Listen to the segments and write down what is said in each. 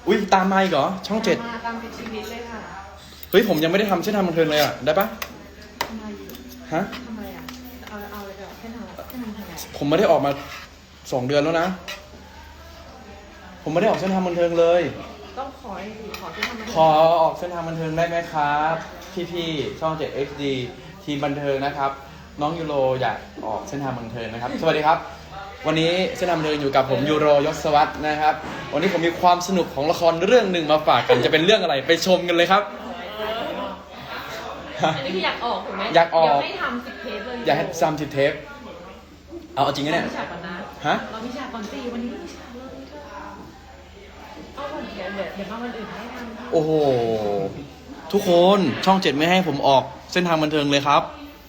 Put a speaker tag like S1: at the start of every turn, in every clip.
S1: อุ้ยตามมาอีกเหรอช่อง7
S2: ตามติดชีวิตเลยค่ะ
S1: เฮ้ยผมยังไม่ได้ทำเส้นทางบันเทิงเลยอ่ะได้ปะ
S2: ทำไม
S1: ฮะ
S2: ทำไมอ่ะเอาเลยแบบเส้นทางทางไหน
S1: ผมไม่ได้ออกมา2 เดือนแล้วนะผมไม่ได้ออกเส้นทางบันเทิงเลย
S2: ต้องขอเส้นทาง
S1: ขอออกเส้นทางบันเทิงได้ไหมครับพี่ๆช่อง7 HD ทีมบันเทิงนะครับน้องยูโรอยากออกเส้นทางบันเทิงนะครับสวัสดีครับวันนี้เส้นทางบันเทิงอยู่กับผมยูโรยศวัฒน์นะครับวันนี้ผมมีความสนุกของละครเรื่องหนึ่งมาฝากกันจะเป็นเรื่องอะไรไปชมกันเลยครับ
S2: อันนี้คืออยากออกถูกไหม
S1: อยากออก
S2: ให้ทำ10 เทปเลย
S1: อยากให้ซ้ำ10 เทปเอาจริงนะเนี่ย
S2: เรามีฉากก่อนนะ
S1: ฮะ
S2: เรามีฉากก่อนสิวันนี้ไม่มีฉากเลยเธอเอาก่อนเดี๋ยวมาวันอื่นให้ทำ
S1: โอ้โหทุกคนช่อง7ไม่ให้ผมออกเส้นทางบันเทิงเลยครับ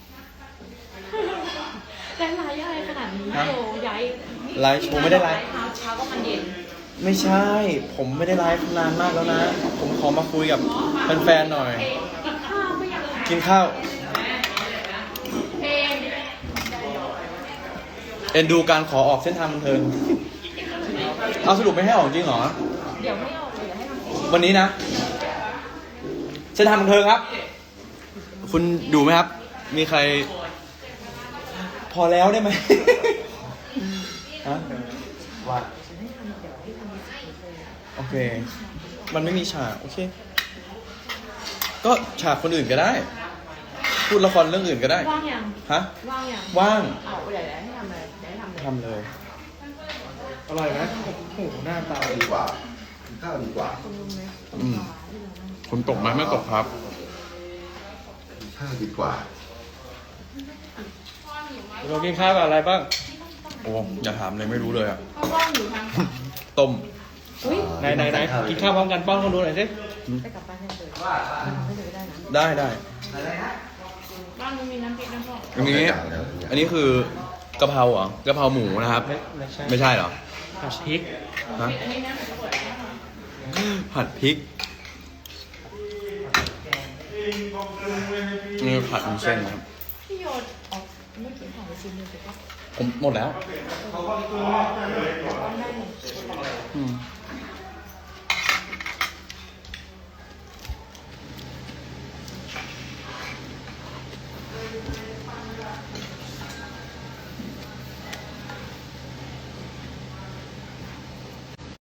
S2: แต่ไลฟ์อะไรขนาดนี้
S1: ฮะ
S2: โยย้าย
S1: ไลฟ์ผมไม่ได้ไลฟ์
S2: เช้าก็มันเย็น
S1: ไม่ใช่ผมไม่ได้ไลฟ์นานมากแล้วนะ ผมขอมาคุยกับแฟนๆหน่อย
S2: กินข้าวไม่อยากเลย
S1: กินข้าว
S2: เพลง
S1: เอ็นดูการขอออกเส้นทางบันเทิงเอาสรุปไม่ให้ออกจริงเหรอ
S2: เดี๋ยวไม่ออกเลยเดี๋ยวให้ทำ
S1: วันนี้นะ เส้นทางบันเทิงครับ คุณดูไหมครับ มีใคร พอแล้วได้ไหม ฮะว่า
S2: ฉันให้ทำเดี๋ยวให้ทำมีสิทธิ์เลย
S1: โอเค มันไม่มีฉากโอเค ก็ฉากคนอื่นก็ได้ พูดละครเรื่องอื่นก็ได้
S2: ว่างยัง
S1: ฮะ
S2: ว่างยัง
S1: ว่าง
S2: เอาเดี๋ยวให้ทำเลยเดี๋ยวให้ทำเลย
S1: ทำเลย
S3: อร่อยไหมโอ้โหหน้าตา
S4: ดีกว่ากินข้าวดีกว่า
S2: คุณรู้ไหม
S1: อืม คนตกไหมไม่ตกครับ
S4: กินข้าวดีกว่า
S3: เรากินข้าวกับอะไรบ้าง
S1: โอ้อย่าถามเลยไม่รู้เลยอ่ะ
S2: เขาว่างอยู่ทาง
S1: ต้ม
S2: อุ้ย
S3: ไหนกินข้าวพร้อมกันป้อนคนดูหน่อยสิ
S2: ไปกลับบ้านให้เลยทำให้เลยได้นะ
S1: ได้ได้
S2: บ้านมันมีน้ำพริกน้ำพอ
S1: อันนี้อันนี้คือกะเพราเหรอกะเพราหมูนะครับ
S3: ไม่ใช่
S1: ไม่ใช่เหรอ
S3: ผัดพริก
S1: ฮะ
S2: อันนี้นะ
S1: ผัดพริกนี่ผัดวุ้นเส้นนะครับ
S2: พี่โยนออกไม่กินของไปชิ้นหนึงแต่ก็
S1: ผมหมดแล้ว
S2: ต้องได้
S1: อืม